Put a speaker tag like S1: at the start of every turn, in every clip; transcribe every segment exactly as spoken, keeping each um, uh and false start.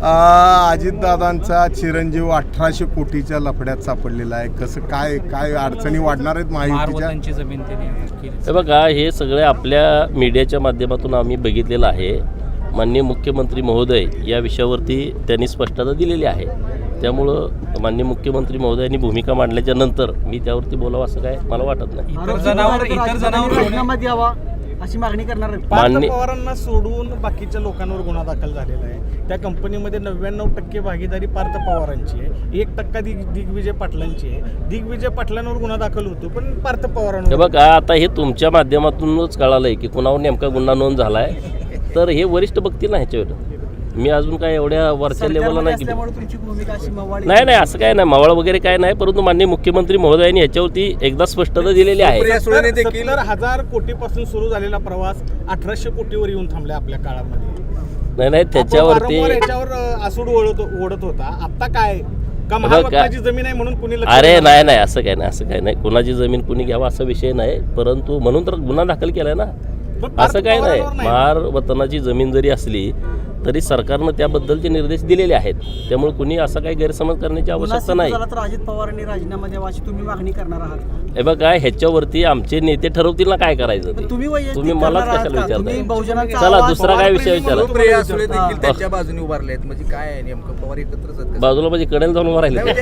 S1: अजितदादांचा चिरंजीव अठराशे कोटीच्या लफड्यात सापडलेला आहे. कसं काय काय अडचणी वाढणार आहेत महायुतीच्या?
S2: जमीन
S3: हे बघा, हे सगळे आपल्या मीडियाच्या माध्यमातून आम्ही बघितलेलं आहे. माननीय मुख्यमंत्री महोदय या विषयावरती त्यांनी स्पष्टता दिलेली आहे. त्यामुळं माननीय मुख्यमंत्री महोदयांनी भूमिका मांडल्याच्या नंतर मी त्यावरती बोलावं असं काय मला वाटत नाही.
S2: इतर जनावर इतर जनावर
S4: राजीनामा द्यावा अशी मागणी करणार आहे.
S5: पार्थ पवारांना सोडून बाकीच्या लोकांवर गुन्हा दाखल झालेला आहे. त्या कंपनीमध्ये नव्याण्णव टक्के भागीदारी पार्थ पवारांची आहे, एक टक्का दिग दिग्विजय पाटलांची आहे. दिग्विजय पाटलांवर गुन्हा दाखल होतो पण पार्थ पवारांवर.
S3: हे बघा, आता हे तुमच्या माध्यमातूनच कळालंय की कुणावर नेमका गुन्हा नोंद झालाय, तर हे वरिष्ठ बघतील ना ह्याच्यावर. मी अजून काय एवढ्या वरच्या लेवलला नाही. नाही नाही असं काय नाही, मावळ वगैरे काय नाही, परंतु माननीय मुख्यमंत्री महोदयांनी ह्याच्यावरती एकदा स्पष्टता दिलेली आहे.
S5: सत्तर हजार कोटीपासून सुरू झालेला प्रवास अठराशे कोटीवर येऊन थांबला आपल्या काळामध्ये.
S3: नाही नाही त्याच्यावरती
S5: याच्यावर आसूड ओढत ओढत होता. आता काय का महाराष्ट्राची जमीन आहे म्हणून कुणी?
S3: अरे नाही नाही असं काय नाही, असं काय नाही. कुणाची जमीन कुणी घ्यावा असा विषय नाही, परंतु म्हणून तर गुन्हा दाखल केलाय ना. असं काय नाही. महार वतनाची जमीन जरी असली तरी सरकारनं त्याबद्दलचे निर्देश दिलेले आहेत. त्यामुळे कुणी असा काही गैरसमज करण्याची आवश्यकता नाही.
S4: अजित पवारांनी राजीनामा द्यावा अशी तुम्ही मागणी करणार आहात?
S3: हे बघा, ह्याच्यावरती आमचे नेते ठरवतील ना काय करायचं ते. तुम्ही मलाच कशाला विचारताय? चला दुसरा काय विषय विचारा.
S2: त्यांच्या बाजूने उभारले आहेत म्हणजे काय नेमकं पवार एकत्रच
S3: बाजूला म्हणजे कडेला जाऊन उभा राहिले.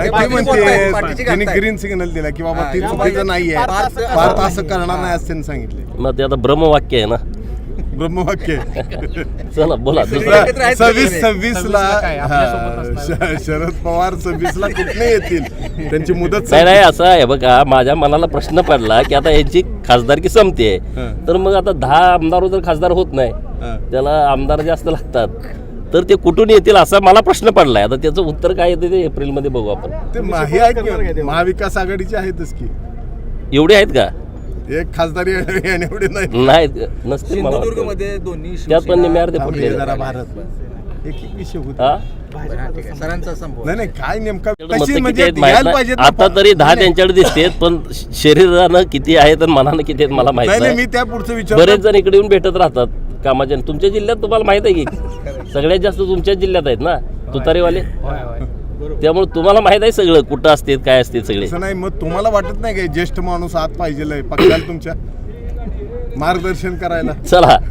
S1: त्यांनी ग्रीन सिग्नल दिला की बाबा ती चुकीचं नाहीये, भारत असं करणार नाही असं त्यांनी सांगितले.
S3: मग ते आता ब्रह्मवाक्य आहे ना,
S1: ब्रह्मवाक्य.
S3: चला बोला.
S1: सव्वीस सव्वीस ला शरद पवार सव्वीस ला कुठे येतील, त्यांची मुदत
S3: नाही नाही असं आहे. बघा, माझ्या मनाला प्रश्न पडला की आता यांची खासदारकी संपते, तर मग आता दहा आमदार जर खासदार होत नाही, त्याला आमदार जास्त लागतात, तर ते कुठून येतील असा मला प्रश्न पडलाय. आता त्याचं उत्तर काय येते ते एप्रिल मध्ये बघू आपण.
S1: ते महाविकास आघाडीचे आहेतच की,
S3: एवढे आहेत का?
S1: एक खासदारी एवढे नाही
S3: नाही नसते.
S2: सिंधुदुर्गमध्ये दोन्ही
S3: त्यात पण निम्यावर ते फुटले.
S1: भारत एक एक विषय होता.
S2: सरांचा संभव
S1: नाही नाही काय नेमका
S3: आता तरी दहा त्यांच्याकडे दिसतेत, पण शरीरानं किती आहेत आणि मनानं किती आहेत मला माहिती नाही.
S1: मी त्या पुढचं विचार
S3: बरेच जण इकडे येऊन भेटत राहतात कामाच्या. तुमच्या जिल्ह्यात तुम्हाला माहित आहे की सगळ्यात जास्त तुमच्याच जिल्ह्यात आहेत ना तुतारीवाले, त्यामुळे तुम्हाला माहित आहे सगळं कुठं असते काय असते सगळे.
S1: नाही मग तुम्हाला वाटत नाही काय ज्येष्ठ माणूस आत पाहिजे पक्षाला तुमच्या मार्गदर्शन करायला?
S3: चला.